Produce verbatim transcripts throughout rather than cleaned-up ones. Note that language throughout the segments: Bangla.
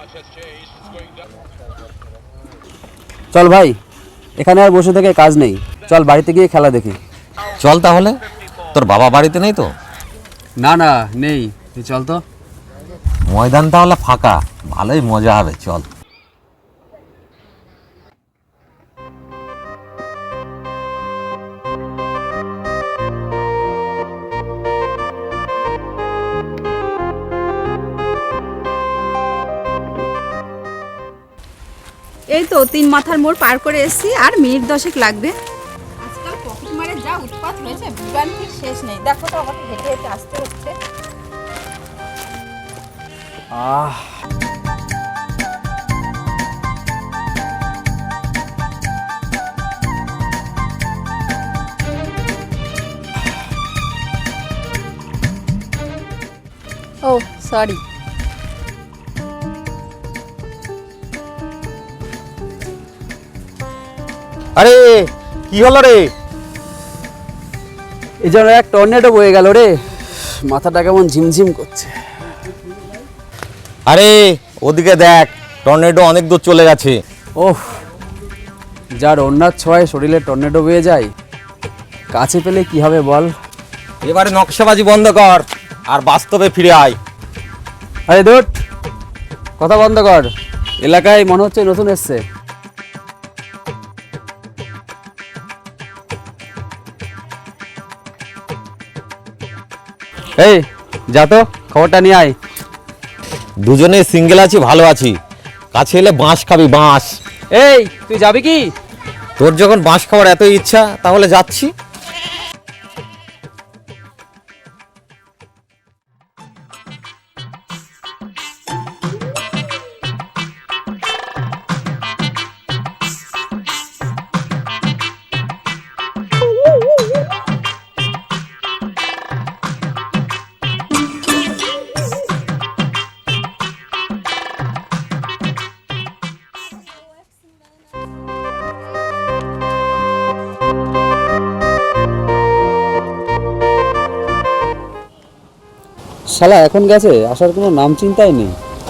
চল ভাই, এখানে আর বসে থেকে কাজ নেই, চল বাড়িতে গিয়ে খেলা দেখি। চল তাহলে। তোর বাবা বাড়িতে নেই তো? না না নেই, তুই চল তো। ময়দান তাহলে ফাঁকা, ভালোই মজা হবে, চল। এই তো তিন মাথার মোড় পার করে এসেছি, আর মিনিট দশেক লাগবে। আজকাল পকেট মারে যা উৎপাত হয়েছে, বিভ্রান্তির শেষ নেই। দেখো তো আমাকে হেঁটে হেঁটে আসতে হচ্ছে। Ah oh sorry. আরে কি হলো রে? এই যেন এক টর্নেডো বয়ে গেল রে, মাথাটা কেমন ঝিমঝিম করছে। আরে ওদিকে দেখ, টর্নেডো অনেক দূর চলে গেছে। ওহ, যার অন্যার ছোঁয়ায় শরীরে টর্নেডো বয়ে যায়, কাছে পেলে কি হবে বল। এবারে নকশাবাজি বন্ধ কর আর বাস্তবে ফিরে আয়। আরে দূর, কথা বন্ধ কর। এলাকায় মনে হচ্ছে নতুন এসছে। এই যা তো, খবরটা নিয়ে আয়। দুজনে সিঙ্গেল আছি, ভালো আছি। কাছে এলে বাঁশ খাবি, বাঁশ। এই তুই যাবি কি? তোর যখন বাঁশ খাওয়ার এত ইচ্ছা, তাহলে যাচ্ছি। শালা এখন গেছে, আসার কোনো নাম চিন্তাই নেই।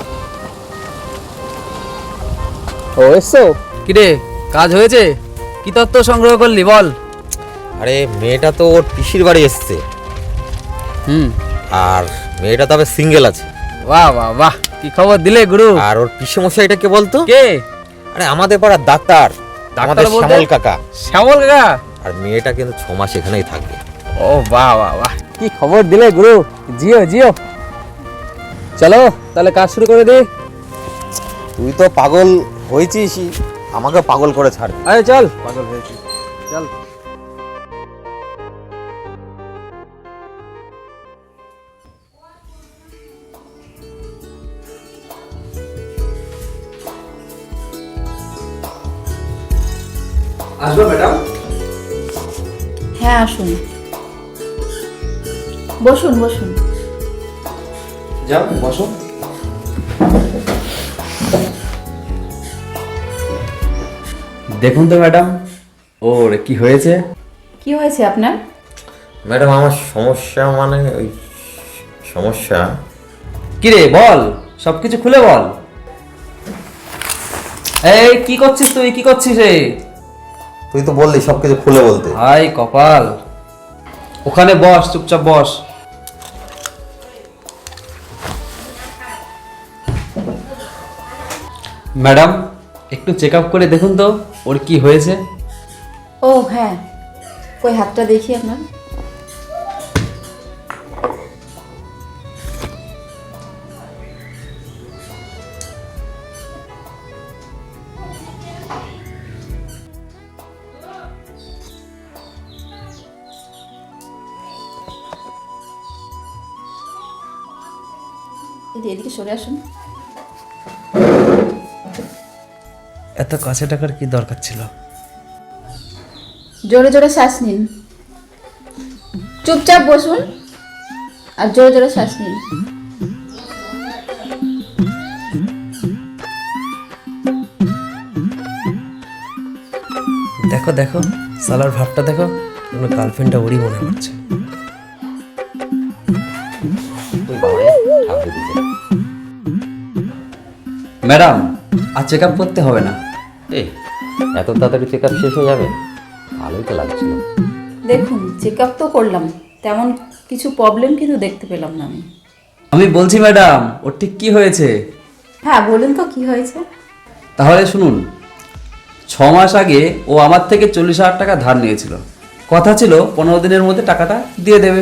ও এসছো? কিরে, কাজ হয়েছে? কি তত্ত্ব সংগ্রহ করলি বল। আরে মেয়েটা তো ওর পিসির বাড়ি এসছে, হুম। আর মেয়েটা তবে সিঙ্গেল আছে। বাহ বাহ বাহ, কি খবর দিলে গুরু। আর ওর পিসি মশাইটা কে বলতো? কে? আরে আমাদের পাড়ার ডাক্তার, আমাদের বলতে? শ্যামল কাকা। শ্যামল কাকা? আর মেয়েটা কিন্তু ছ মাস এখানেই থাকবে। ও বাহ বাহ বাহ, কি খবর দিলে গুরু। জিও জিও। চলো তাহলে কাজ শুরু করে দিই। তুই তো পাগল হয়েছিস, আমাকে পাগল করে ছাড়। আরে চল, পাগল হয়েছি, চল। আসবো ম্যাডাম? হ্যাঁ আসুন, বসুন বসুন। যাও বসো। দেখুন তো ম্যাডাম, ওর কি হয়েছে? কি হয়েছে আপনার? ম্যাডাম আমার সমস্যা, মানে ওই সমস্যা। কিরে বল, সবকিছু খুলে বল। এই কি করছিস তুই, কি করছিস রে? তুই তো বললি সবকিছু খুলে বলতে। হাই কপাল, ওখানে বস, চুপচাপ বস। ম্যাডাম একটু চেক আপ করে দেখুন তো ওর কি হয়েছে। ও হ্যাঁ, কই হাতটা দেখি আপনার। এদিকে সরে আসুন। এত কাছে টাকার কি দরকার ছিল? জোরে জোরে শ্বাস নিন, চুপচাপ বসুন আর জোরে জোরে শ্বাস নিন। দেখো দেখো, সালার ভাবটা দেখো, আমার গার্লফ্রেন্ডটা ওরই মনে হচ্ছে। ম্যাডাম আর চেক আপ করতে হবে না। এই এত তাড়াতাড়ি চেক আপ শেষ হয়ে যাবে? ভালোই তো লাগছিল। দেখুন, চেক আপ তো করলাম, তেমন কিছু প্রবলেম কিন্তু দেখতে পেলাম না আমি। আমি বলছি ম্যাডাম, ওর ঠিক কি হয়েছে? হ্যাঁ বলুন তো কি হয়েছে। তাহলে শুনুন, ছ মাস আগে ও আমার থেকে চল্লিশ হাজার টাকা ধার নিয়েছিল। কথা ছিল পনেরো দিনের মধ্যে টাকাটা দিয়ে দেবে।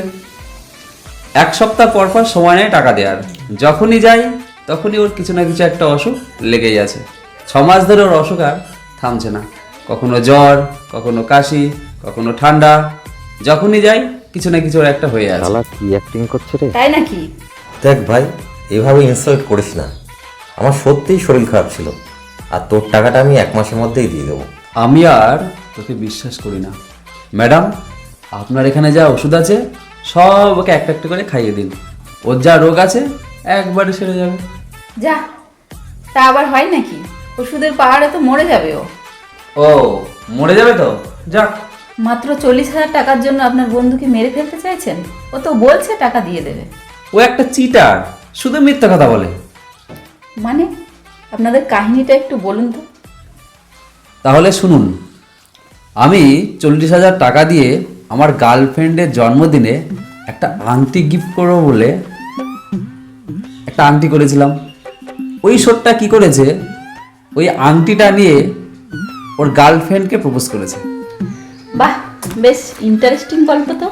এক সপ্তাহ পর পর সময় নেয় টাকা দেওয়ার। যখনই যাই তখনই ওর কিছু না কিছু একটা অসুখ লেগেই আছে। ছ মাস ধরে ওর অসুখ আর থামছে না। কখনো জ্বর, কখনো কাশি, কখনো ঠান্ডা। যখনই যাই কিছু না কিছু ওর একটা হয়ে আছে। শালা কি অ্যাক্টিং করছে রে? তাই নাকি? দেখ ভাই, এভাবে ইনসাল্ট করিস না। আমার সত্যিই শরীর খারাপ ছিল, আর তোর টাকাটা আমি এক মাসের মধ্যেই দিয়ে দেবো। আমি আর তোকে বিশ্বাস করি না। ম্যাডাম, আপনার এখানে যা ওষুধ আছে সব ওকে একটা একটা করে খাইয়ে দিন। ওর যা রোগ আছে একবারে সেরে যাবে। যা, তা আবার হয় নাকি? ওষুধের পাহাড়ে তো মরে যাবে ও। ও মরে যাবে তো? যাক। মাত্র চল্লিশ হাজার টাকার জন্য আপনার বন্ধুকে মেরে ফেলতে চাইছেন? ও তো বলছে টাকা দিয়ে দেবে। ও একটা চিটার, শুধু মিথ্যা কথা বলে। মানে আপনাদের কাহিনীটা একটু বলুন তো। তাহলে শুনুন, আমি চল্লিশ হাজার টাকা দিয়ে আমার গার্লফ্রেন্ডের জন্মদিনে একটা আংটি গিফট করবো বলে একটা আংটি করেছিলাম। ওই শোটটা কি করেছে, ওই আংটিটা নিয়ে ওর গার্লফ্রেন্ডকে প্রপোজ করেছে। বাহ, বেশ ইন্টারেস্টিং গল্প তো।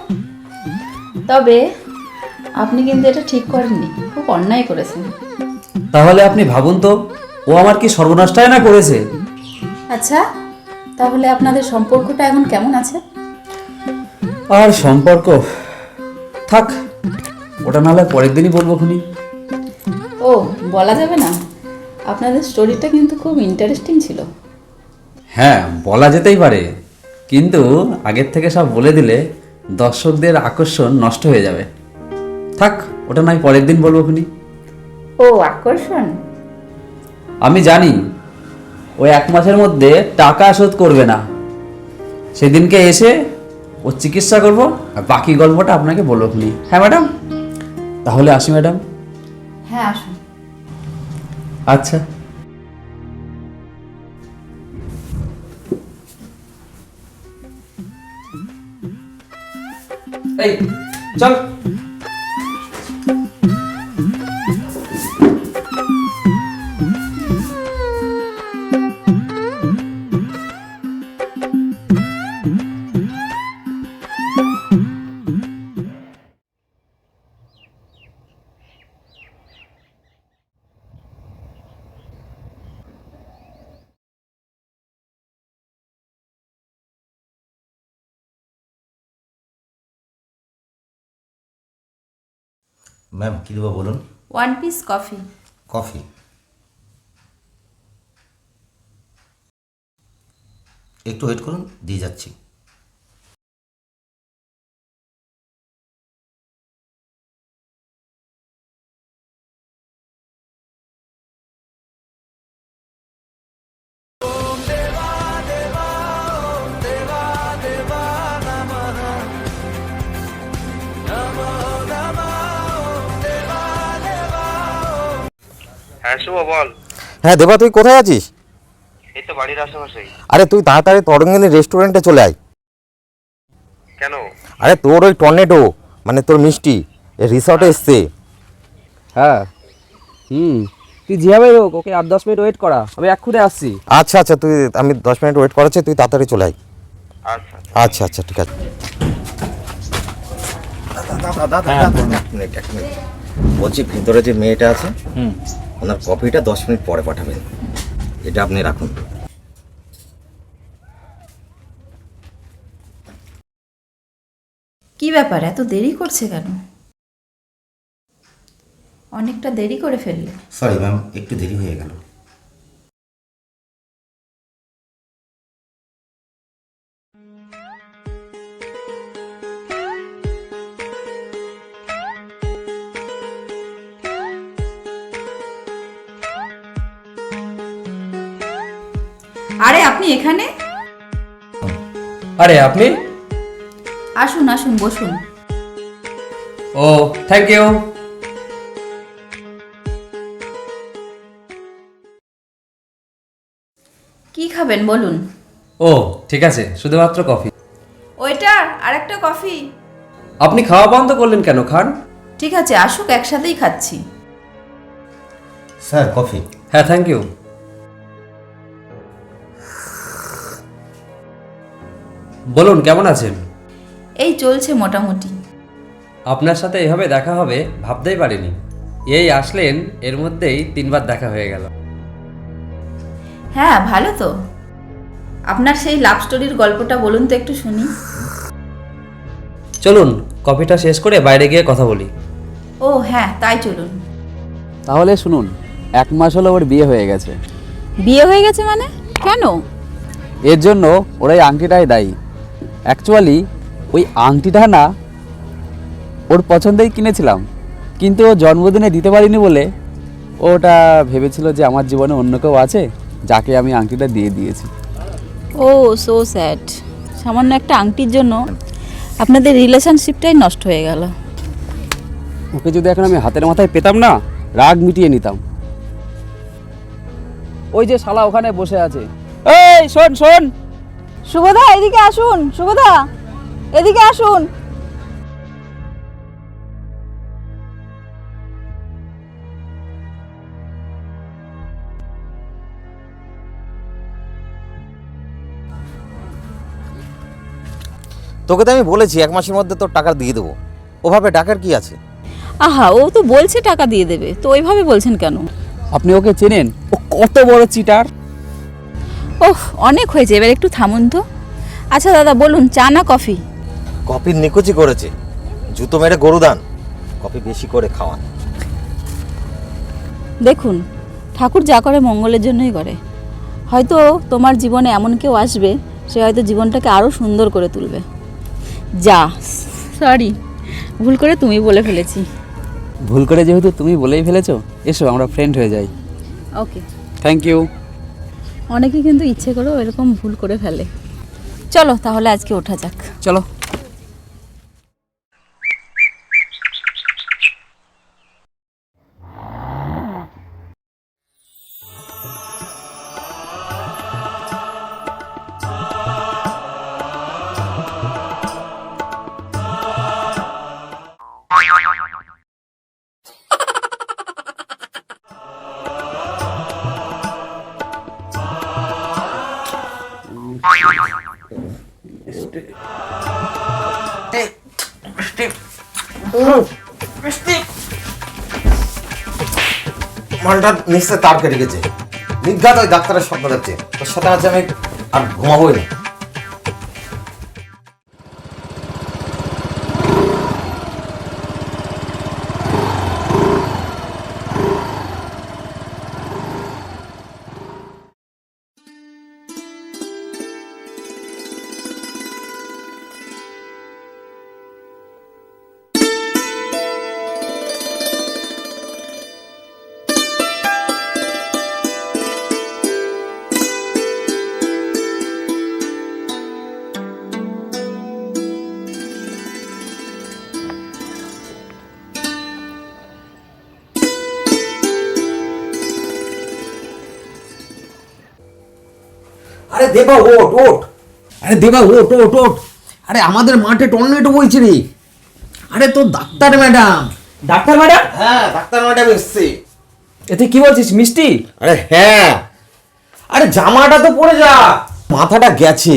তবে আপনি কিন্তু এটা ঠিক করেননি, খুব অন্যায় করেছেন। তাহলে আপনি ভাবুন তো, ও আমার কি সর্বনাশটাই না করেছে। আচ্ছা, তাহলে আপনাদের সম্পর্কটা এখন কেমন আছে? আর সম্পর্ক থাক, ওটা নাহলে পরের দিনই বলবো খুনি। ও বলা যাবে না? আপনাদের স্টোরিটা কিন্তু খুব ইন্টারেস্টিং ছিল। হ্যাঁ বলা যেতেই পারে, কিন্তু আগের থেকে সব বলে দিলে দর্শকদের আকর্ষণ নষ্ট হয়ে যাবে। থাক, ওটা নয় পরের দিন বলবো খুনি। ও আকর্ষণ? আমি জানি ওই এক মাসের মধ্যে টাকা শোধ করবে না। সেদিনকে এসে ওর চিকিৎসা করব, আর বাকি গল্পটা আপনাকে বলবো খুনি। হ্যাঁ ম্যাডাম, তাহলে আসি ম্যাডাম। হ্যাঁ আসুন। আচ্ছা। এই চল। ম্যাম কী দেবো বলুন? One piece coffee. কফি একটু ওয়েট করুন, দিয়ে যাচ্ছি। হ্যাঁ শুভ বল। হ্যাঁ দেবা, তুই কোথায় আছিস? এই তো বাড়ির আশেপাশেই। আরে তুই তাড়াতাড়ি তরঙ্গিনী রেস্টুরেন্টে চলে আয়। কেন? আরে তোর ওই টর্নেডো, মানে তোর মিষ্টি রিসর্টে এসছে। হ্যাঁ হুম, তুই যেভাবে হোক ওকে আট দশ মিনিট ওয়েট করা, আমি এক্ষুনি আসছি। আচ্ছা আচ্ছা, তুই আমি দশ মিনিট ওয়েট করাচ্ছি, তুই তাড়াতাড়ি চলে আয়। আচ্ছা আচ্ছা আচ্ছা ঠিক আছে। বলছি ভিতরে যে মেয়েটা আছে ওনার কপিটা দশ মিনিট পরে পাঠাবেন, এটা আপনি রাখুন। কি ব্যাপার, এত দেরি করছে কেন? অনেকটা দেরি করে ফেললে। সরি ম্যাম, একটু দেরি হয়ে গেল। আরে আপনি এখানে? আরে আপনি? আসুন আসুন, বসুন। Oh thank you. কি খাবেন বলুন? ও ঠিক আছে, শুধুমাত্র কফি। ওইটা আর একটা কফি। আপনি খাওয়া বন্ধ করলেন কেন? খান। ঠিক আছে, আসুক, একসাথেই খাচ্ছি। Sir coffee. হ্যাঁ, থ্যাংক ইউ। বলুন, কেমন আছেন? এই চলছে মোটামুটি। আপনার সাথে এভাবে দেখা হবে ভাবতেই পারিনি। এই আসলেন, এর মধ্যেই তিনবার দেখা হয়ে গেল। হ্যাঁ, ভালো তো। আপনার সেই লাভ স্টোরির গল্পটা বলুন তো একটু শুনি। চলুন কফিটা শেষ করে বাইরে গিয়ে কথা বলি। ও হ্যাঁ, তাই চলুন। তাহলে শুনুন, এক মাস হলো ওর বিয়ে হয়ে গেছে। বিয়ে হয়ে গেছে মানে? কেন? এর জন্য ওর এই আংটিটাই দায়ী। অ্যাকচুয়ালি ওই আংটিটা না ওর পছন্দেই কিনেছিলাম, কিন্তু ও জন্মদিনে দিতে পারিনি বলে ওটা ভেবেছিল যে আমার জীবনে অন্য কেউ আছে, যাকে আমি আংটিটা দিয়ে দিয়েছি। Oh so sad. সামান্য একটা আংটির জন্য আপনাদের রিলেশনশিপটাই নষ্ট হয়ে গেল। ওকে যদি এখন আমি হাতের মাথায় পেতাম না, রাগ মিটিয়ে নিতাম। ওই যে শালা ওখানে বসে আছে। এই শোন শোন, শুভদা এদিকে আসুন। শুভদা এদিকে আসুন। তোকে তো আমি বলেছি এক মাসের মধ্যে তোর টাকা দিয়ে দেবো, ওভাবে টাকার কি আছে? আহা, ও তো বলছে টাকা দিয়ে দেবে, তো ওইভাবে বলছেন কেন? আপনি ওকে চেনেন? ও কত বড় চিটার। ওহ, অনেক হয়েছে, এবার একটু থামুন তো। আচ্ছা দাদা বলুন, চা না কফি? কফির নিকুচি করেছে, জুতো মেরে গরুদান। কফি বেশি করে খাওয়ান। দেখুন, ঠাকুর যা করে মঙ্গলের জন্যই করে। হয়তো তোমার জীবনে এমন কেউ আসবে, সে হয়তো জীবনটাকে আরও সুন্দর করে তুলবে। যা, সরি, ভুল করে তুমি বলে ফেলেছি। ভুল করে যেহেতু তুমি বলেই ফেলেছো, এসো আমরা ফ্রেন্ড হয়ে যাই। Okay, thank you. অনেকে কিন্তু ইচ্ছে করেও এরকম ভুল করে ফেলে। চলো তাহলে আজকে ওঠা যাক। চলো। মালটা নিশ্চয় তার কেটে গেছে। নির্ঘাত ওই ডাক্তারের স্বপ্ন দেখছে, তোর সাথে আছে আমি আর ঘুমাবোই না। আরে দেবা ওট ওট আরে দেবা ওট ওট ওট আরে আমাদের মাঠে টর্নেডো বইছে রে। আরে তো ডাক্তার ম্যাডাম। Doctor madam? হ্যাঁ, ডাক্তার ম্যাডাম এসছে। এতে কি বলছিস, মিষ্টি? আরে হ্যাঁ, আরে জামাটা তো পরে যা, মাথাটা গেছে।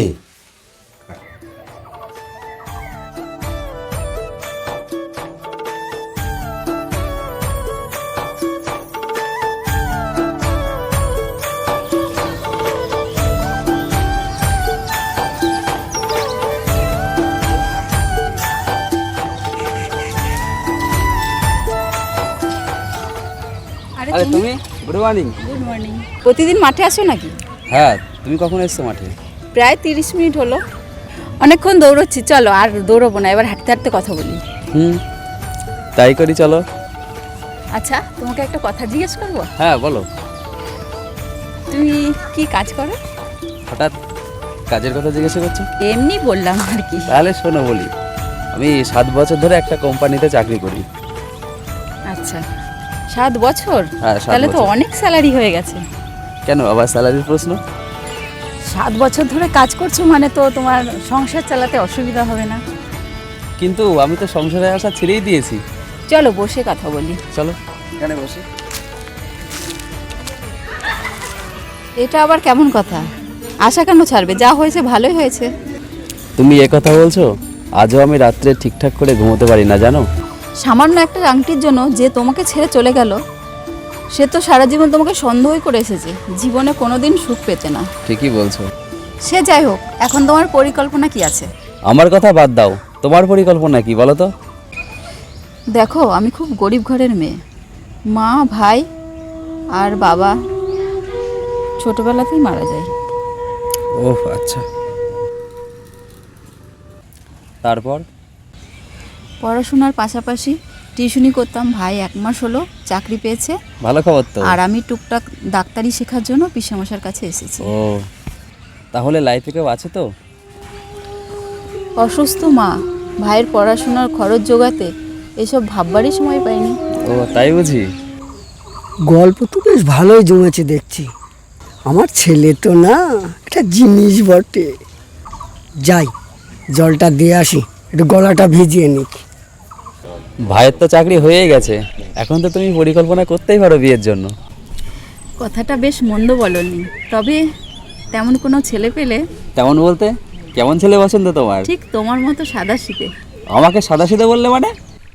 আরে আরে তুমি? তুমি, গুড মর্নিং। Good morning. প্রতিদিন মাঠে আসো নাকি? হ্যাঁ, তুমি কখন এসছো মাঠে? প্রায় তিরিশ মিনিট হলো। অনেকক্ষণ দৌড়চ্ছি, চলো আর দৌড়বো না, এবার হাঁটতে হাঁটতে কথা বলি। হুম, তাই করি, চলো। আচ্ছা, তোমাকে একটা কথা জিজ্ঞেস করবো? হ্যাঁ বলো। তুমি কি কাজ করো? হঠাৎ কাজের কথা জিজ্ঞাসা করছো? এমনি বললাম আর কি। তাহলে শোনো বলি, আমি সাত বছর ধরে একটা কোম্পানিতে চাকরি করি। আচ্ছা, সাত বছর? হ্যাঁ, সাত তাহলে তো বছর। অনেক স্যালারি হয়ে গেছে। কেন আবার স্যালারির প্রশ্ন? সাত বছর ধরে কাজ করছো মানে তো তোমার সংসার চালাতে অসুবিধা হবে না। কিন্তু আমি তো সংসারে আসা ছেড়েই দিয়েছি। চলো বসে কথা বলি। চলো এখানে বসি। এটা আবার কেমন কথা? আশা কেন ছাড়বে? যা হয়েছে ভালোই হয়েছে। তুমি এ কথা বলছো? আজও আমি রাত্রে ঠিকঠাক করে ঘুমোতে পারি না জানো। সামান্য একটা আংটির জন্য যে তোমাকে ছেড়ে চলে গেল, সে তো সারা জীবন তোমাকে সন্দেহই করে এসেছে, জীবনে কোনোদিন সুখ পেতে না। ঠিকই বলছো। সে যাই হোক, এখন তোমার পরিকল্পনা কি আছে? আমার কথা বাদ দাও, তোমার পরিকল্পনা কি বলো তো? দেখো, আমি খুব গরিব ঘরের মেয়ে। মা, ভাই আর বাবা ছোটবেলাতেই মারা যায়। ওহ আচ্ছা, তারপর? পড়াশোনার পাশাপাশি টিউশনি করতাম। ভাই এক মাস হলো চাকরি পেয়েছে। ভালো খবর তো। আর আমি টুকটাক ডাক্তারি শেখার জন্য পিসেমশার কাছে এসেছি। ও, তাহলে লাইফে কেউ আছে তো? অসুস্থ মা, ভাইয়ের পড়াশোনার খরচ জোগাতে এসব ভাববারই সময় পাইনি। ও তাই বুঝি। গল্প তো বেশ ভালোই জমেছে দেখছি। আমার ছেলে তো না, একটা জিনিস বটে। যাই, জলটা দিয়ে আসি, একটু গলাটা ভিজিয়ে নিক। ভাইয়ের তো চাকরি হয়ে গেছে, এখন তো তুমি পরিকল্পনা করতেই পারো বিয়ের জন্য। কথাটা বেশ মন্দ বলনি, তবে তেমন কোনো ছেলে পেলে। তেমন বলতে কেমন ছেলে পছন্দ তোমার? ঠিক তোমার মতো সাদাসিধে। আমাকে সাদাসিধে বললে মানে?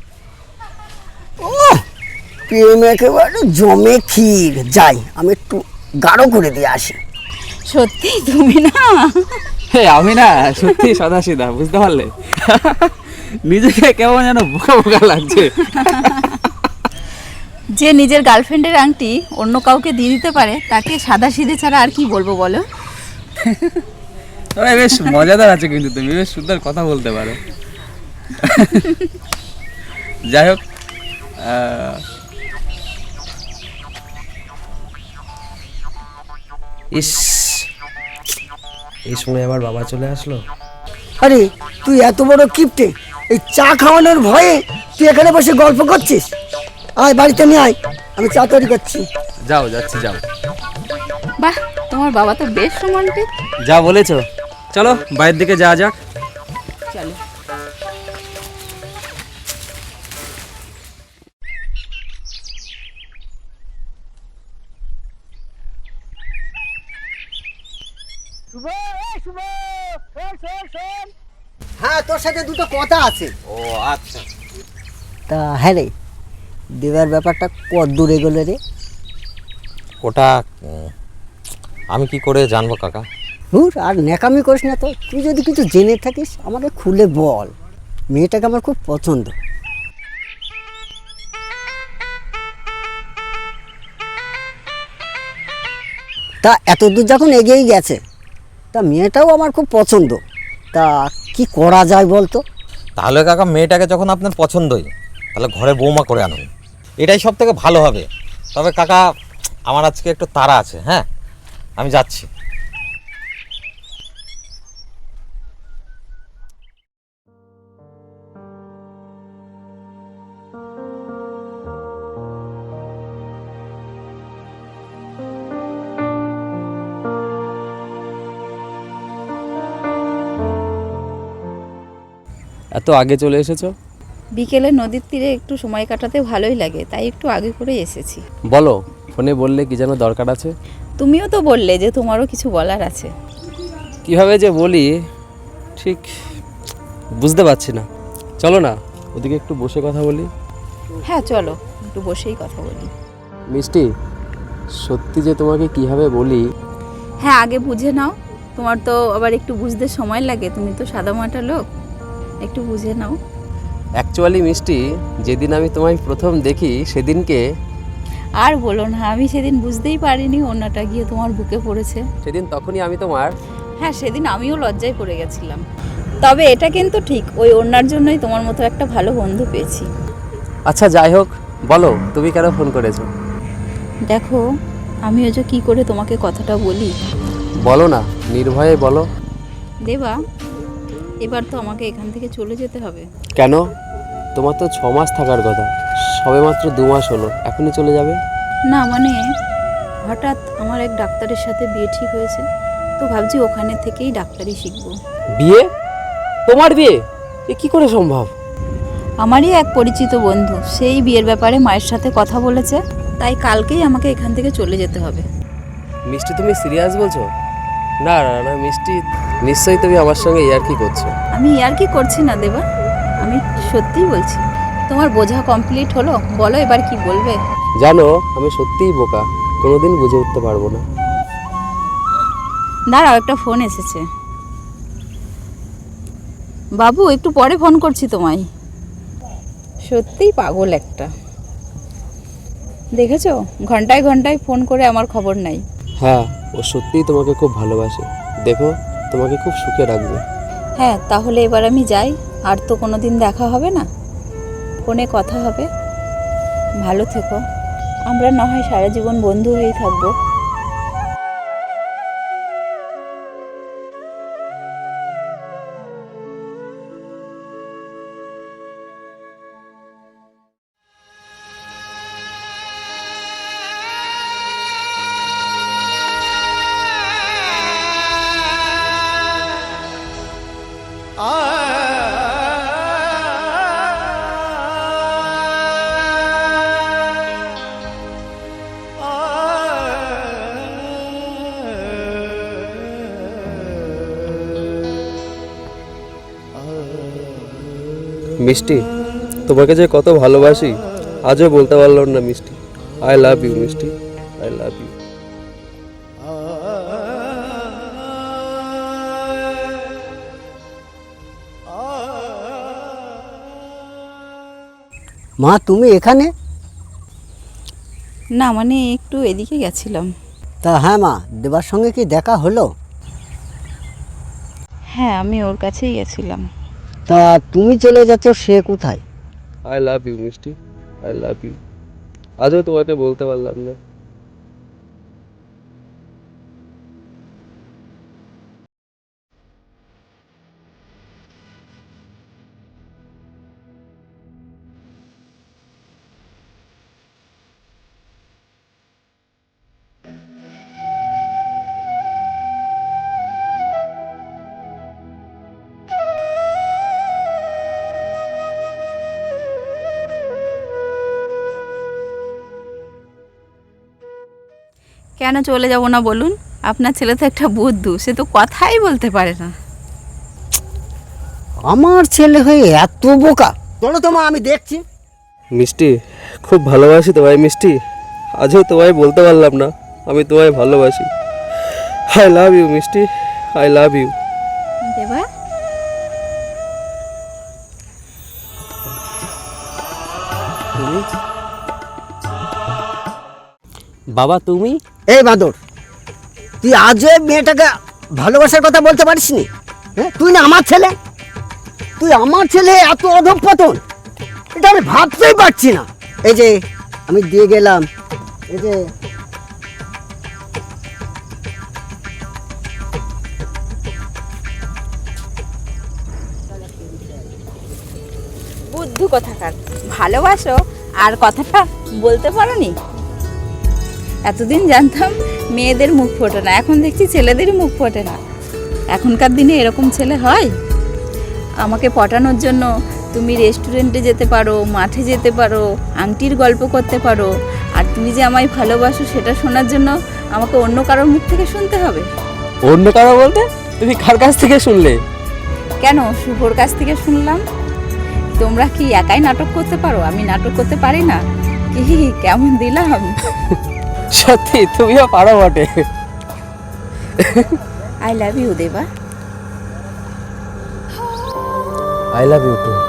ও, প্রেম একেবারে জমে ক্ষীর। যাই, আমি একটু গাঢ় করে দিয়ে আসি। সত্যি তুমি না? হে আমি না, সত্যি সাদাসিধা, বুঝতে পারলে? নিজেকে কেমন যেন বোকা বোকা লাগছে। যে নিজের গার্লফ্রেন্ডের আংটি অন্য কাউকে দিয়ে দিতে পারে, তাকে সাদাসিধে ছাড়া আর কি বলবো বলো? তবে বেশ মজাদার আছে, কিন্তু তুমি বেশ সুন্দর কথা বলতে পারো। যাই হোক, আহ, ইস, এই সময় আবার বাবা চলে আসলো। আরে তুই এত বড় কিপটে, এই চা খাওয়ানোর ভয়ে তুই এখানে বসে গল্প করছিস? আয় বাড়িতে নিয়ে আয়, আমি চা তৈরি করছি। যাও, যাচ্ছি, যাও। বাহ, তোমার বাবা তো বেশ রোমান্টিক। যা বলেছো, চলো বাইরের দিকে যাওয়া যাক। চলো। হ্যাঁ, তোর সাথে দুটো কথা আছে। ও আচ্ছা। তা হ্যাঁ রে, দেবার ব্যাপারটা কত দূরে এগোলো রে? ওটা উম, আমি কি করে জানবো কাকা? হুর, আর ন্যাকামি করিস না তো। তুই যদি কিছু জেনে থাকিস আমাকে খুলে বল। মেয়েটাকে আমার খুব পছন্দ। তা এত দূর যখন এগিয়েই গেছে, তা মেয়েটাও আমার খুব পছন্দ। তা কি করা যায় বলতো? তাহলে কাকা, মেয়েটাকে যখন আপনার পছন্দই, তাহলে ঘরে বৌমা করে আনুন, এটাই সব থেকে ভালো হবে। তবে কাকা, আমার আজকে একটু তাড়া আছে, হ্যাঁ, আমি যাচ্ছি। এত আগে চলে এসেছো? বিকেলে নদীর তীরে একটু সময় কাটাতে ভালোই লাগে, তাই একটু আগে করে এসেছি। বলো, ফোনে বললে কি যেন দরকার আছে? তুমিও তো বললে যে তোমারও কিছু বলার আছে। কিভাবে যে বলি ঠিক বুঝতে পারছি না। চলো না ওদিকে একটু বসে কথা বলি। হ্যাঁ চলো, একটু বসেই কথা বলি। মিষ্টি, সত্যি যে তোমাকে কিভাবে বলি। হ্যাঁ, আগে বুঝে নাও। তোমার তো আবার একটু বুঝতে সময় লাগে, তুমি তো সাদামাটা লোক, একটু বুঝে নাও। অ্যাকচুয়ালি মিষ্টি, যেদিন আমি তোমায় প্রথম দেখি সেদিনকে, আর বলো না, আমি সেদিন বুঝতেই পারিনি ওড়নাটা গিয়ে তোমার বুকে পড়েছে। সেদিন তখনই আমি তোমার। হ্যাঁ, সেদিন আমিও লজ্জায় পড়ে গেছিলাম। তবে এটা কিন্তু ঠিক, ওই ওড়নার জন্যই তোমার মতো একটা ভালো বন্ধু পেয়েছি। আচ্ছা যাই হোক, বলো তুমি কেন ফোন করেছো? দেখো, আমিও যে কী করে তোমাকে কথাটা বলি। বলো না, নির্ভয়ে বলো। দেবা, এবার তো আমাকে এখান থেকে চলে যেতে হবে। কেন? তোমার তো ছ মাস থাকার কথা, সবে মাত্র দু মাস হলো, এখনই চলে যাবে? না মানে, হঠাৎ আমার এক ডাক্তারের সাথে বিয়ে ঠিক হয়েছে, তো ভাবছি ওখানে থেকেই ডাক্তারি শিখবো। বিয়ে? তোমার বিয়ে? এ কি করে সম্ভব? আমারই এক পরিচিত বন্ধু সেই বিয়ের ব্যাপারে মায়ের সাথে কথা বলেছে, তাই কালকেই আমাকে এখান থেকে চলে যেতে হবে। মিষ্টি, তুমি সিরিয়াস বলছো? না না না মিষ্টি, নিশ্চয়ই তুমি আমার সঙ্গে ইয়ার্কি করছো। আমি আর কি করছি না দেবা, আমি সত্যিই বলছি। তোমার বোঝা কমপ্লিট হলো, বলো এবার কি বলবে? জানো, আমি সত্যিই বোকা, কোনোদিন বুঝে উঠতে পারবো না। দাঁড়াও, একটা ফোন এসেছে। বাবু, একটু পরে ফোন করছি তোমায়। সত্যিই পাগল একটা, দেখেছো ঘন্টায় ঘন্টায় ফোন করে আমার খবর নাই। হ্যাঁ, ও সত্যিই তোমাকে খুব ভালোবাসে, দেখো তোমাকে খুব সুখে রাখবে। হ্যাঁ, তাহলে এবার আমি যাই, আর তো কোনো দিন দেখা হবে না, ফোনে কথা হবে। ভালো থেকো, আমরা না হয় সারা জীবন বন্ধু হয়েই থাকবো। মিষ্টি, তোমাকে যে কত ভালোবাসি আজও বলতে পারলাম না Mishti. I love you Mishti, I love you. মা তুমি এখানে? না মানে একটু এদিকে গেছিলাম। তা হ্যাঁ মা, দেবার সঙ্গে কি দেখা হলো? হ্যাঁ, আমি ওর কাছেই গেছিলাম। তা তুমি চলে যাচ্ছ, সে কোথায়? I love you Mishti, I love you. আজও তোমাকে বলতে পারলাম না। কেন চলে যাব না বলুন? আপনার ছেলে তো একটা বুদ্ধু, সে তো কথাই বলতে পারে না। আমার ছেলে হয়ে এত বোকা? চলো তো মা, আমি দেখছি। মিষ্টি, খুব ভালোবাসি তোমায় মিষ্টি, আজও তোমায় বলতে পারলাম না আমি তোমায় ভালোবাসি। I love you Mishti, I love you. Deba, বাবা তুমি? এই বাদর, তুই আজও এই মেয়েটাকে ভালোবাসার কথা বলতে পারিস নি? হ্যাঁ, তুই না আমার ছেলে, তুই আমার ছেলে এত অধঃপতন, এটা আমি ভাবতেই পারছি না। এই যে আমি দিয়ে গেলাম, এই যে বুদ্ধু কোথাকার, ভালোবাসো আর কথাটা বলতে পারোনি? এতদিন জানতাম মেয়েদের মুখ ফোটে না, এখন দেখছি ছেলেদেরই মুখ ফোটে না। এখনকার দিনে এরকম ছেলে হয়? আমাকে পটানোর জন্য তুমি রেস্টুরেন্টে যেতে পারো, মাঠে যেতে পারো, আংটির গল্প করতে পারো, আর তুমি যে আমায় ভালোবাসো সেটা শোনার জন্য আমাকে অন্য কারোর মুখ থেকে শুনতে হবে? অন্য কারো বলতে তুমি কার কাছ থেকে শুনলে? কেন, শুভর কাছ থেকে শুনলাম। তোমরা কি একাই নাটক করতে পারো, আমি নাটক করতে পারি না? কি কেমন দিলাম? সত্যি তুমিও পারো বটে। I love you Deba. I love you two.